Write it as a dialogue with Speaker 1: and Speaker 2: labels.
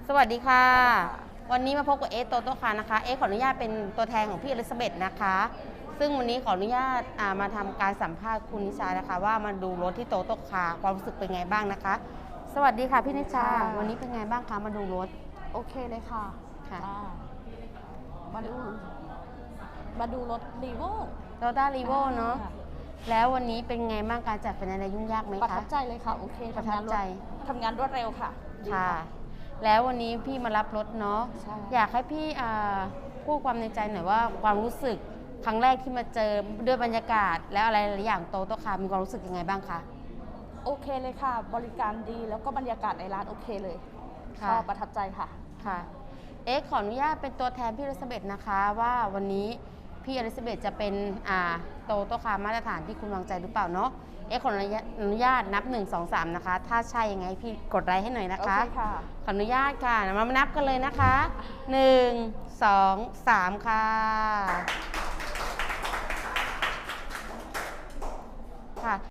Speaker 1: สวัสดีค่ะ วันนี้มาพบกับเอสโตโต้คาร์นะคะเอสขออนุญาตเป็นตัวแทนของพี่อลิซาเบธนะคะ ซึ่งวันนี้ขออนุญาตมาทำการสัมภาษณ์คุณนิชานะคะว่ามาดูรถที่โตโต้คาร์ความรู้สึกเป็นไงบ้างนะคะ สวัสดีค่ะพี่นิชา วันนี้เป็นไงบ้างคะมาดูรถ
Speaker 2: โอเคเลยค่ะ
Speaker 1: ค่ะ
Speaker 2: จ้ามาดูรถรีโว
Speaker 1: โตต้ารีโวเนาะแล้ววันนี้เป็นไงบ้างการจัดไฟแนนซ์ยุ่งยากไหม
Speaker 2: ประ
Speaker 1: คะ
Speaker 2: ทับใจเลยค่ะ โอเค
Speaker 1: ประทับใจ
Speaker 2: ทำงานรวดเร็วค่ะดี
Speaker 1: ค่ะ แล้ววันนี้พี่มารับรถเนาะ
Speaker 2: ใช่
Speaker 1: อยากให้พี่พูดความในใจหน่อยว่าความรู้สึกครั้งแรกที่มาเจอด้วยบรรยากาศ แล้วอะไรหลายอย่างโตโต้คาร์มีความรู้สึกยังไงบ้างคะ
Speaker 2: โอเคเลยค่ะ บริการดีแล้วก็บรรยากาศในร้านโอเคเลย
Speaker 1: ค่ะ
Speaker 2: ชอบประทับใจค่ะ
Speaker 1: ค่ะเอ๊ะขออนุญาตเป็นตัวแทนพี่อลิซาเบธนะคะว่าวันนี้พี่อลิซาเบธจะเป็นโตโต้คาร์มาตรฐานที่คุณวางใจหรือเปล่าเนาะเอ๊ะขออนุญาตนับ 1 2 3นะคะถ้าใช่ยังไงพี่กดไลค์ให้หน่อยนะ
Speaker 2: โอ
Speaker 1: คะ
Speaker 2: เคค่ะ
Speaker 1: ขออนุญาตค่ะมานับกันเลยนะคะ 1 2 3 ค่ะ